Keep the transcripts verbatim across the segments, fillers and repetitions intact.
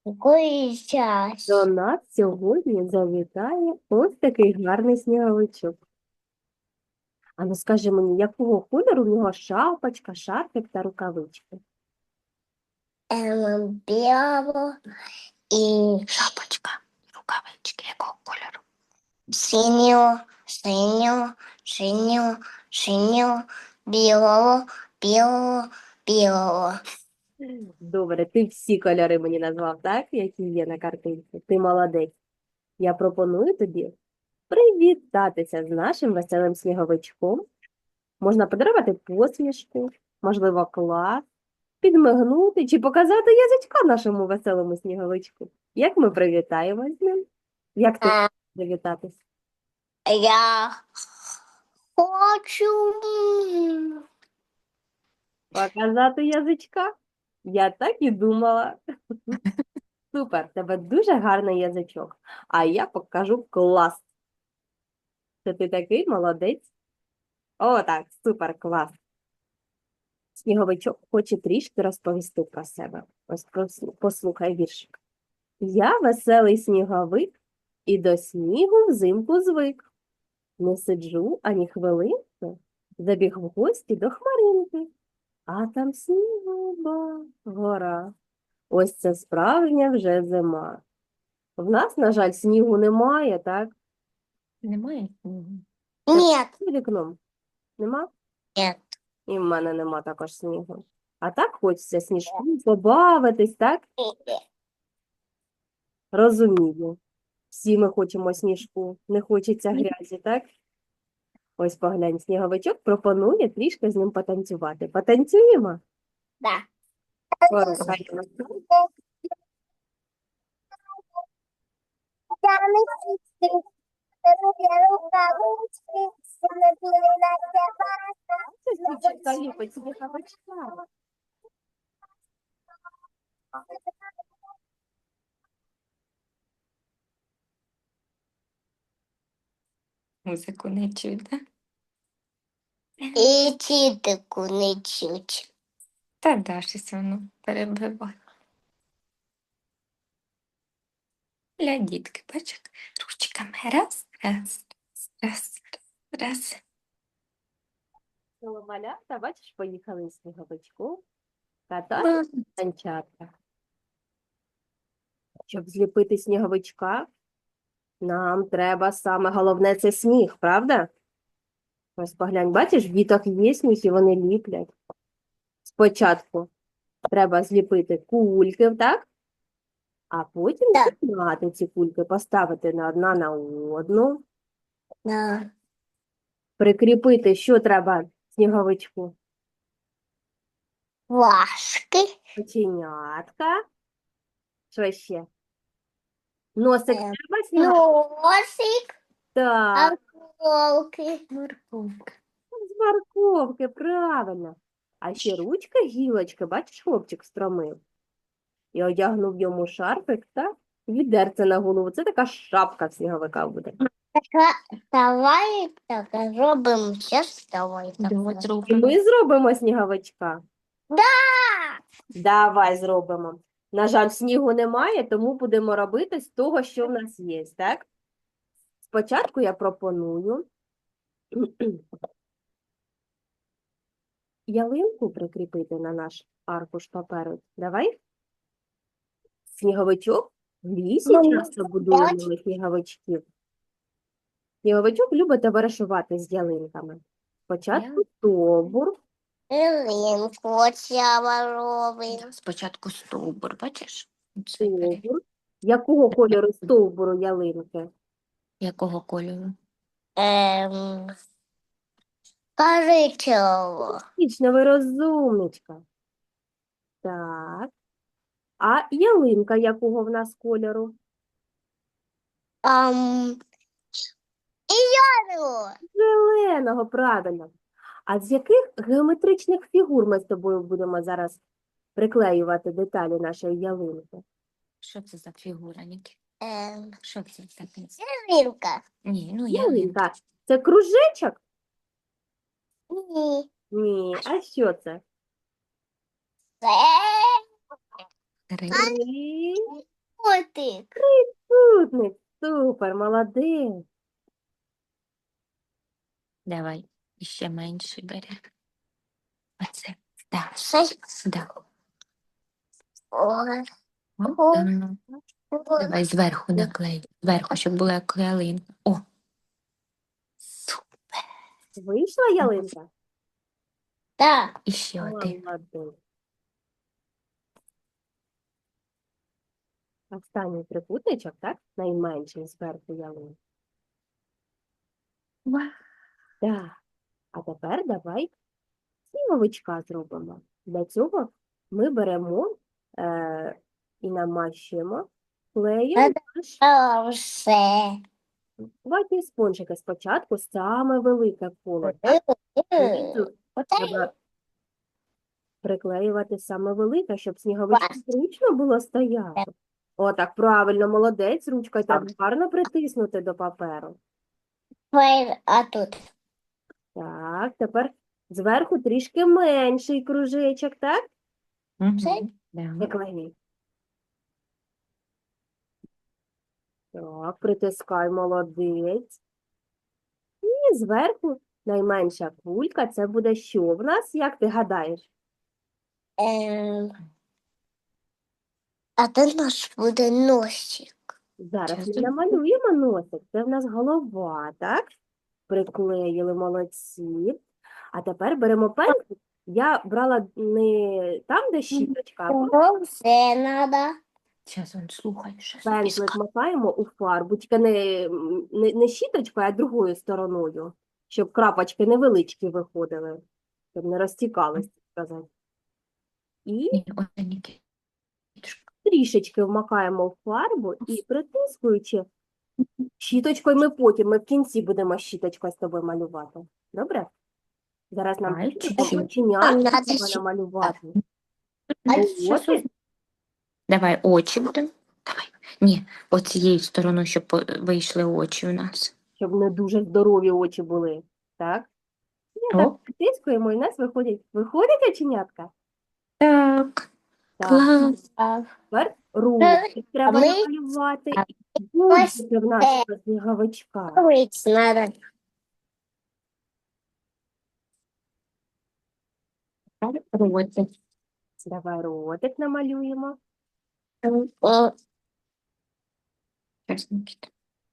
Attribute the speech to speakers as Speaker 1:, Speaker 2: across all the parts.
Speaker 1: Якої час?
Speaker 2: До нас сьогодні завітає ось такий гарний сніговичок. А ну скажи мені, якого кольору в нього шапочка, шарфик та рукавички?
Speaker 1: Ем, білого і шапочка, рукавички якого кольору? Синього, синього, синього, синього, білого, білого, білого.
Speaker 2: Добре, ти всі кольори мені назвав, так, які є на картинці. Ти молодець. Я пропоную тобі привітатися з нашим веселим сніговичком. Можна подарувати посмішку, можливо, клас, підмигнути чи показати язичка нашому веселому сніговичку. Як ми привітаємось з ним? Як ти
Speaker 1: Е,
Speaker 2: привітатись?
Speaker 1: Я хочу.
Speaker 2: Показати язичка? Я так і думала. Супер, в тебе дуже гарний язичок. А я покажу клас. Це ти такий молодець. О, так, супер, клас. Сніговичок хоче трішки розповісти про себе. Ось послу- послухай віршик. Я веселий сніговик і до снігу взимку звик. Не сиджу ані хвилинки, забіг в гості до хмаринки. А там снігова гора. Ось це справжня вже зима. В нас, на жаль, снігу немає, так?
Speaker 3: Немає снігу.
Speaker 1: Ні,
Speaker 2: За вікном. Нема?
Speaker 1: ні.
Speaker 2: І в мене нема також снігу. А так хочеться сніжку побавитись, так? Розумію. Всі ми хочемо сніжку, не хочеться грязі, так? Ось поглянь, сніговичок пропонує трішки з ним потанцювати. Потанцюємо?
Speaker 1: Да.
Speaker 2: Порухаємо. Це дівчинка ліпить сніговичка.
Speaker 3: Музику не чуть, да?
Speaker 1: І тітику не чуть.
Speaker 3: Та да, щось воно перебиває. Для дітки, бачиш, ручками раз, раз, раз, раз, раз.
Speaker 2: Село малята, бачиш, поїхали з сніговичком катати
Speaker 3: Ба.
Speaker 2: санчатка. Щоб зліпити сніговичка, нам треба саме головне це сніг, правда? Ось поглянь, бачиш, в діток є сніг і вони ліплять. Спочатку треба зліпити кульки, так? А потім
Speaker 1: Так.
Speaker 2: з'єднати ці кульки, поставити на одна на одну,
Speaker 1: Да.
Speaker 2: прикріпити, що треба сніговичку?
Speaker 1: Важки.
Speaker 2: Оченятка. Що ще? Носик
Speaker 1: Е,
Speaker 2: треба сніговичку?
Speaker 1: Носик,
Speaker 2: Так,
Speaker 1: осколки.
Speaker 3: Морковка.
Speaker 2: з морковки, правильно. А ще ручка гілочки, бачиш, хлопчик стромив. І одягнув йому шарфик та відерце на голову. Це така шапка в сніговика буде.
Speaker 1: Така, давай так зробимо. Щас давай так.
Speaker 3: Давай
Speaker 2: І
Speaker 3: зробимо.
Speaker 2: ми зробимо сніговичка.
Speaker 1: Да!
Speaker 2: Давай зробимо. На жаль, снігу немає, тому будемо робити з того, що в нас є, так? Спочатку я пропоную ялинку прикріпити на наш аркуш паперу. Давай. Сніговичок в лісі
Speaker 1: Ну,
Speaker 2: часто будує
Speaker 1: давай.
Speaker 2: малих сніговичків. Сніговичок любить товаришувати з ялинками. Спочатку
Speaker 3: Я-
Speaker 2: стовбур,
Speaker 1: Ялинку оця робимо.
Speaker 3: Спочатку стовбур, бачиш? Оце пере-
Speaker 2: стовбур. Якого кольору стовбуру ялинки?
Speaker 3: Якого кольору?
Speaker 1: Ем, коричневого.
Speaker 2: Вічно розумничка. Так. А ялинка якого в нас кольору?
Speaker 1: Ам, і яру.
Speaker 2: Зеленого, правильно. А з яких геометричних фігур ми з тобою будемо зараз приклеювати деталі нашої ялинки?
Speaker 3: Що це за фігура, Нікі?
Speaker 1: Ем,
Speaker 3: Що це таке?
Speaker 1: ялинка.
Speaker 3: Ні, ну я
Speaker 2: Ялинка. Це кружечок?
Speaker 1: Ні.
Speaker 2: Ні. А що це?
Speaker 1: Це
Speaker 3: три.
Speaker 2: Три.
Speaker 1: Котик.
Speaker 2: Трикутник. Супер, молодець.
Speaker 3: Давай, іще менше бери. Оце. Так,
Speaker 1: Шесть.
Speaker 3: да.
Speaker 1: Ой.
Speaker 3: О,
Speaker 1: О.
Speaker 3: так. Давай зверху наклей. Зверху, щоб була як ялинка. О, супер.
Speaker 2: Вийшла ялинка?
Speaker 1: Да.
Speaker 3: Іще один.
Speaker 2: Молодець. Останній трикутничок, так? Найменший зверху ялинки.
Speaker 3: Вау.
Speaker 2: Так. А тепер давай сніговичка зробимо. Для цього ми беремо е, і намащуємо клеєм наш
Speaker 1: А все.
Speaker 2: ватні спонжики. Спочатку саме велике коло. Так? Знизу треба приклеювати саме велике, щоб сніговичку зручно було стояти. Отак, правильно, молодець, ручкою треба гарно притиснути до паперу.
Speaker 1: А тут.
Speaker 2: Так, тепер зверху трішки менший кружечок, так?
Speaker 3: Мгм. Да.
Speaker 2: Приклеїй. Так, притискай, молодець. І зверху найменша кулька, це буде що в нас, як ти гадаєш?
Speaker 1: Ем, а тут наш буде носик.
Speaker 2: Зараз ми
Speaker 3: Чесно?
Speaker 2: намалюємо носик. Це в нас голова, так? Приклеїли, молодці. А тепер беремо пензлик. Я брала не там, де щіточка, а просто
Speaker 1: Чого все надо?
Speaker 3: Зараз он слухай, що
Speaker 2: пензлик макаємо у фарбу, тільки не, не, не щіточкою, а другою стороною, щоб крапочки невеличкі виходили, щоб не розтікалися, так сказати. І
Speaker 3: Ні, оце Нікітушка.
Speaker 2: трішечки вмакаємо в фарбу і притискуючи щіточкою, ми потім, ми в кінці будемо щіточкою з тобою малювати. Добре? Зараз нам
Speaker 3: Ай,
Speaker 2: потрібно
Speaker 3: чуть-чуть.
Speaker 1: Нам
Speaker 2: оченятка
Speaker 1: надо
Speaker 2: треба
Speaker 1: ще-
Speaker 2: намалювати.
Speaker 1: А
Speaker 3: Щас
Speaker 2: Очі.
Speaker 3: ось- Давай очі будемо. Давай. Ні, оцією стороною, щоб по- вийшли очі у нас.
Speaker 2: Щоб не дуже здорові очі були. Так? І
Speaker 3: О.
Speaker 2: так притискуємо, і в нас виходять, виходять оченятка.
Speaker 3: Так,
Speaker 2: Так.
Speaker 3: клас.
Speaker 1: А,
Speaker 2: Тепер руки треба
Speaker 1: ми-
Speaker 2: намалювати.
Speaker 1: а
Speaker 2: І гудзики в нашого
Speaker 1: це-
Speaker 2: сніговичка.
Speaker 1: Рыть надо.
Speaker 3: Ротик.
Speaker 2: Давай ротик намалюємо.
Speaker 1: О,
Speaker 3: Щас, Нікіта.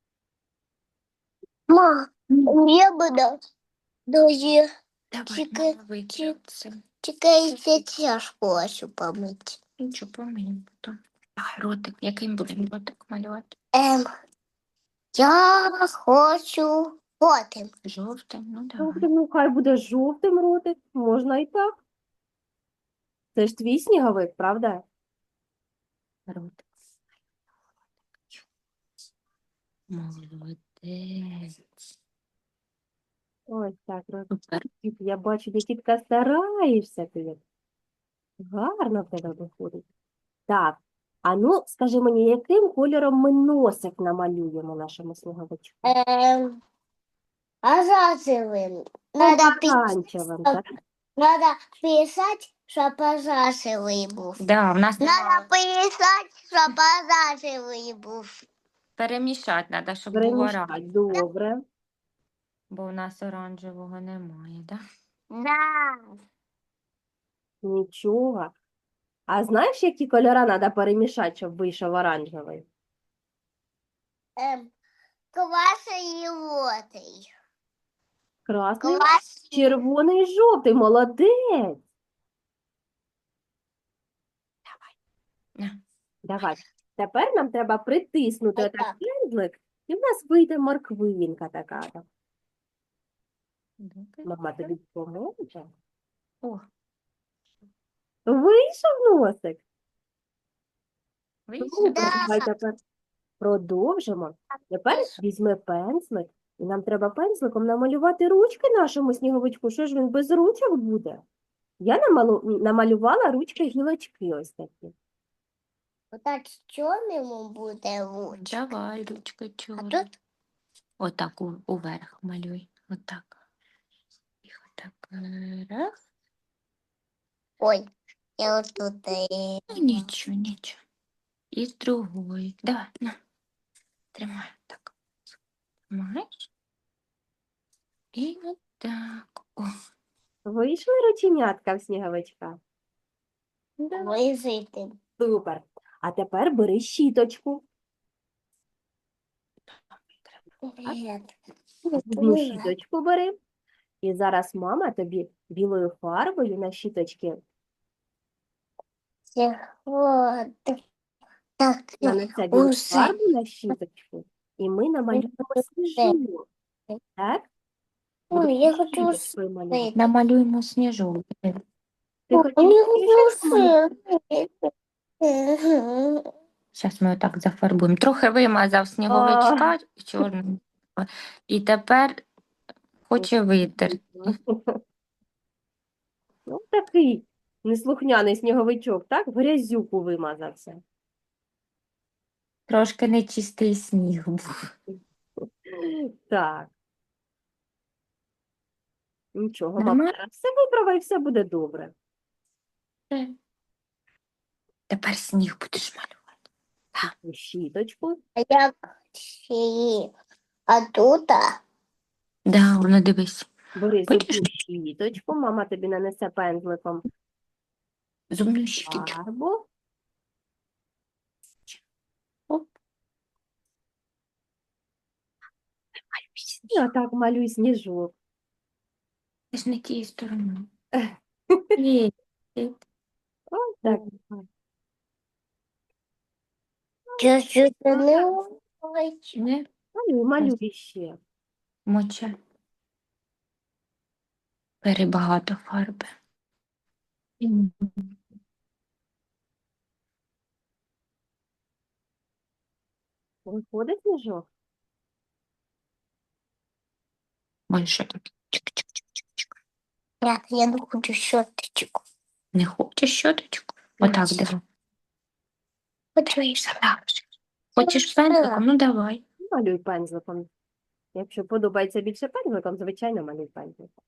Speaker 1: ма, я бы да. Даже
Speaker 3: Давай,
Speaker 1: Чекай,
Speaker 3: мама витягне це.
Speaker 1: чекайте чашку вашу помыть.
Speaker 3: Нічого поміємо потім. Давай, ротик. Яким будемо ротик малювати?
Speaker 1: Ем, я хочу потім.
Speaker 3: Жовтим? Ну,
Speaker 2: Ну,
Speaker 3: давай.
Speaker 2: ну, хай буде жовтим ротик, можна і так. Це ж твій сніговик, правда?
Speaker 3: Ротик. Молодець.
Speaker 2: Ось так, ротик.
Speaker 3: Супер.
Speaker 2: Я бачу, Нікітка, стараєшся ти. Гарно в тебе виходить. Так, а ну, скажи мені, яким кольором ми носик намалюємо нашому сніговичку?
Speaker 1: Ем, Ожазивым. Надо, пи-
Speaker 2: Помаранчевим, так?
Speaker 1: надо писать, щоб ожазивий був.
Speaker 3: Да, в нас
Speaker 1: Надо
Speaker 3: немає.
Speaker 1: писать, щоб ожазивий був.
Speaker 3: Перемішати треба, щоб було
Speaker 2: Перемішати,
Speaker 3: оранжеве.
Speaker 2: добре.
Speaker 3: Бо в нас оранжевого немає, да?
Speaker 1: Да.
Speaker 2: Нічого. А знаєш, які кольори треба перемішати, щоб вийшов оранжевий?
Speaker 1: Ем, Кваса і лотий.
Speaker 2: Красний,
Speaker 1: Квас.
Speaker 2: червоний і жовтий. Молодець.
Speaker 3: На.
Speaker 2: Давай. Тепер нам треба притиснути
Speaker 1: Ось
Speaker 2: отак
Speaker 1: так.
Speaker 2: пензлик, і в нас вийде морквинка така.
Speaker 3: Добре.
Speaker 2: Мама тобі допоможе.
Speaker 3: О,
Speaker 2: Вийшов носик.
Speaker 3: вийшло?
Speaker 2: Супер.
Speaker 1: Да.
Speaker 2: Давай тепер продовжимо. Тепер візьми пензлик, і нам треба пензликом намалювати ручки нашому сніговичку. Що ж він без ручок буде? Я намалу... намалювала ручки гілочки ось такі.
Speaker 1: Отак чому йому буде лучше?
Speaker 3: Давай, ручка
Speaker 1: А
Speaker 3: чорна.
Speaker 1: тут
Speaker 3: Отак у- уверх малюй. Отак. І отак. е, Раз.
Speaker 1: ой, я от тут. е,
Speaker 3: Ну, нічого, нічого. і з другої. Давай, на, тримай так. Тримаєш. І отак. О,
Speaker 2: Вийшли рученятка в сніговичка?
Speaker 3: да.
Speaker 1: Визити.
Speaker 2: Супер. А тепер бери щіточку.
Speaker 1: Привіт.
Speaker 2: Одну щіточку бери. І зараз мама тобі білою фарбою на щіточки
Speaker 1: Сьогодні. Так,
Speaker 2: нанесе білу
Speaker 1: усе.
Speaker 2: фарбу на щіточку, і ми намалюємо сніжок. Так?
Speaker 1: Ой,
Speaker 2: Будемо
Speaker 1: я хочу
Speaker 2: щіточкою малювати.
Speaker 1: усе.
Speaker 3: Намалюємо сніжок.
Speaker 2: Ти
Speaker 1: Ой,
Speaker 2: хотів
Speaker 1: я
Speaker 2: більше
Speaker 1: хочу
Speaker 2: малювати?
Speaker 1: усе.
Speaker 3: Зараз ми отак зафарбуємо. Трохи вимазав сніговичка чорним. І тепер хоче витерти.
Speaker 2: Ну, такий неслухняний сніговичок, так? В грязюку вимазався.
Speaker 3: Трошки нечистий сніг був.
Speaker 2: Так. Нічого, мама
Speaker 3: Нормально?
Speaker 2: зараз все виправить, і все буде добре.
Speaker 3: Тепер сніг будеш малювати.
Speaker 2: Таку щіточку.
Speaker 1: А як ще? А тут? а?
Speaker 3: Да, воно дивись.
Speaker 2: Бери
Speaker 3: Бачиш?
Speaker 2: зубну щіточку, мама тобі нанесе пензликом
Speaker 3: Зубну щіточку.
Speaker 2: фарбу.
Speaker 3: Оп.
Speaker 2: І отак малюй сніжок.
Speaker 3: Це ж не тією стороною. Є.
Speaker 2: Ось так.
Speaker 1: Чуть-чуть не ось.
Speaker 3: Не
Speaker 2: Малюй, малюй ще.
Speaker 3: моча. Перебагато фарби.
Speaker 2: Виходить сніжок?
Speaker 3: Більше так. Чик-чик-чик-чик.
Speaker 1: Нет, я не хочу щоточку.
Speaker 3: Не хочеш щоточку? Отак диви.
Speaker 1: Хочу
Speaker 3: Хочеш пензликом? Ну давай.
Speaker 2: Малюй пензликом. Якщо подобається більше пензликом, звичайно, малюй пензликом.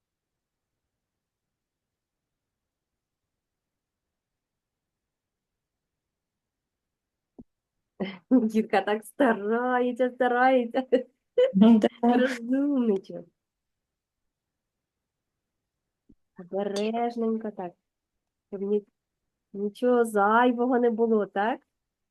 Speaker 2: Дітка так старається, старається.
Speaker 3: Ну, да.
Speaker 2: Розумничок. Обережненько так. Щоб ні, нічого зайвого не було, так?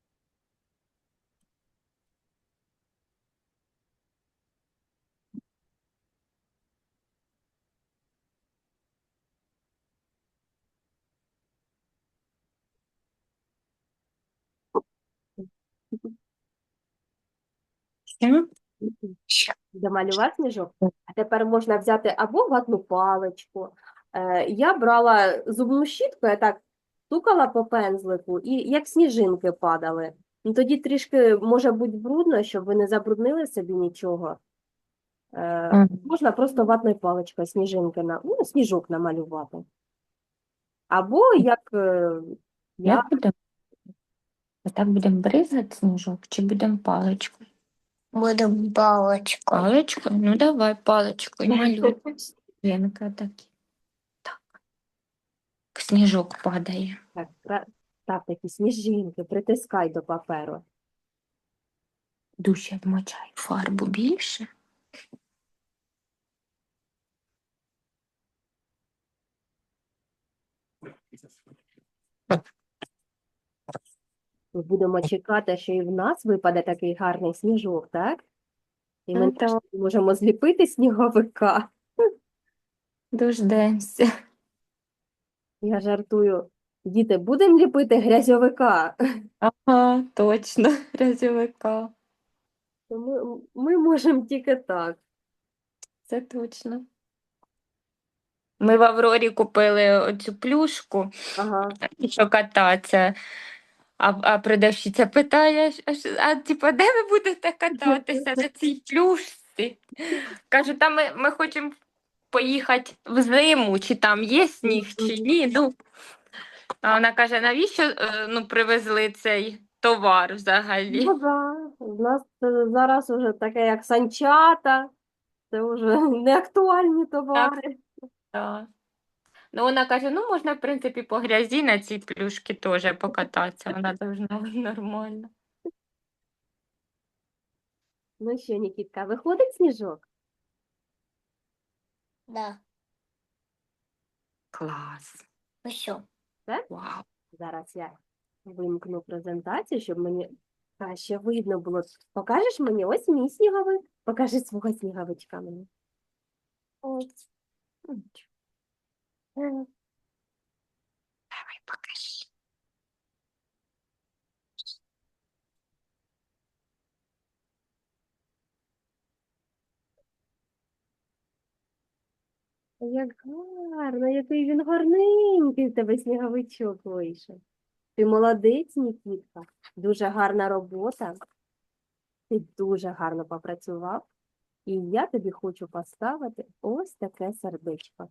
Speaker 3: Все?
Speaker 2: Домалював сніжок. А тепер можна взяти або ватну паличку. Е, я брала зубну щітку, я так стукала по пензлику, і як сніжинки падали. Ну, тоді трішки може бути брудно, щоб ви не забруднили собі нічого. Е,
Speaker 3: Мгм.
Speaker 2: можна просто ватною паличкою сніжинки на, ну, сніжок намалювати. Або як е, я
Speaker 3: Як будемо? Отак будемо бризати сніжок чи будемо паличкою?
Speaker 1: Буду палочкой.
Speaker 3: Паличкою? Ну давай паличкою малюй. Вінка такі. Так. Сніжок падає.
Speaker 2: так, кра- став такі сніжинки, притискай до паперу.
Speaker 3: Дужче вмочай фарбу більше.
Speaker 2: Ми будемо чекати, що і в нас випаде такий гарний сніжок, так? І ми
Speaker 3: Ну, так.
Speaker 2: нарешті можемо зліпити сніговика.
Speaker 3: Дождемося.
Speaker 2: Я жартую. Діти, будемо ліпити грязьовика.
Speaker 3: Ага, точно, грязьовика.
Speaker 2: То Ми, ми можемо тільки так.
Speaker 3: Це точно. Ми в Аврорі купили оцю плюшку,
Speaker 2: Ага.
Speaker 3: що кататися. А, а продавщиця питає, а, що- а типу, де ви будете кататися на цій плюшці? Кажу, та ми, ми хочемо поїхати в зиму, чи там є сніг, чи ні. Ну, а вона каже, навіщо е, ну, привезли цей товар взагалі?
Speaker 2: Ну, да. У нас е, зараз уже таке, як санчата. Це вже не актуальні товари.
Speaker 3: Так. Ну, вона каже, ну, можна, в принципі, по грязі на цій плюшки теж покататися, вона должна бути нормально.
Speaker 2: Ну що, Нікітка, виходить сніжок?
Speaker 1: Да.
Speaker 3: Клас.
Speaker 1: Ну що?
Speaker 3: Вау.
Speaker 2: Зараз я вимкну презентацію, щоб мені краще видно було. Покажеш мені? Ось мій сніговик. Покажи свого сніговичка мені.
Speaker 1: Ось.
Speaker 3: М,
Speaker 1: М.
Speaker 3: Давай покажи.
Speaker 2: Як гарно, який він гарненький в тебе сніговичок вийшов. Ти молодець, Нікітка. Дуже гарна робота. Ти дуже гарно попрацював. І я тобі хочу поставити ось таке сердечко.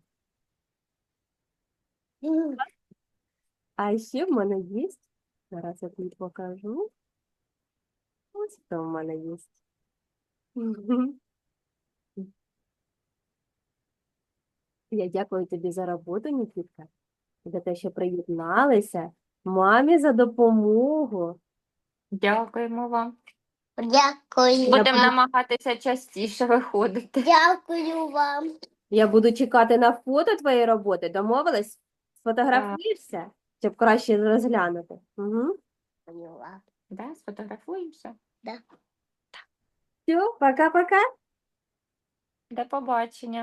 Speaker 1: М.
Speaker 2: А ще в мене є, зараз я тобі покажу. Ось що в мене є. Мгм. Я дякую тобі за роботу, Нікітка, за те, що приєдналися. Мамі за допомогу.
Speaker 3: Дякуємо вам.
Speaker 1: Дякую.
Speaker 2: Я
Speaker 3: Будемо
Speaker 2: буду,
Speaker 3: намагатися частіше виходити.
Speaker 1: Дякую вам.
Speaker 2: я буду чекати на фото твоєї роботи. Домовились? Сфотографуєшся, щоб краще розглянути. Угу.
Speaker 1: Поняла.
Speaker 3: Да, сфотографуємося.
Speaker 2: Все, пока-пока.
Speaker 3: До побачення.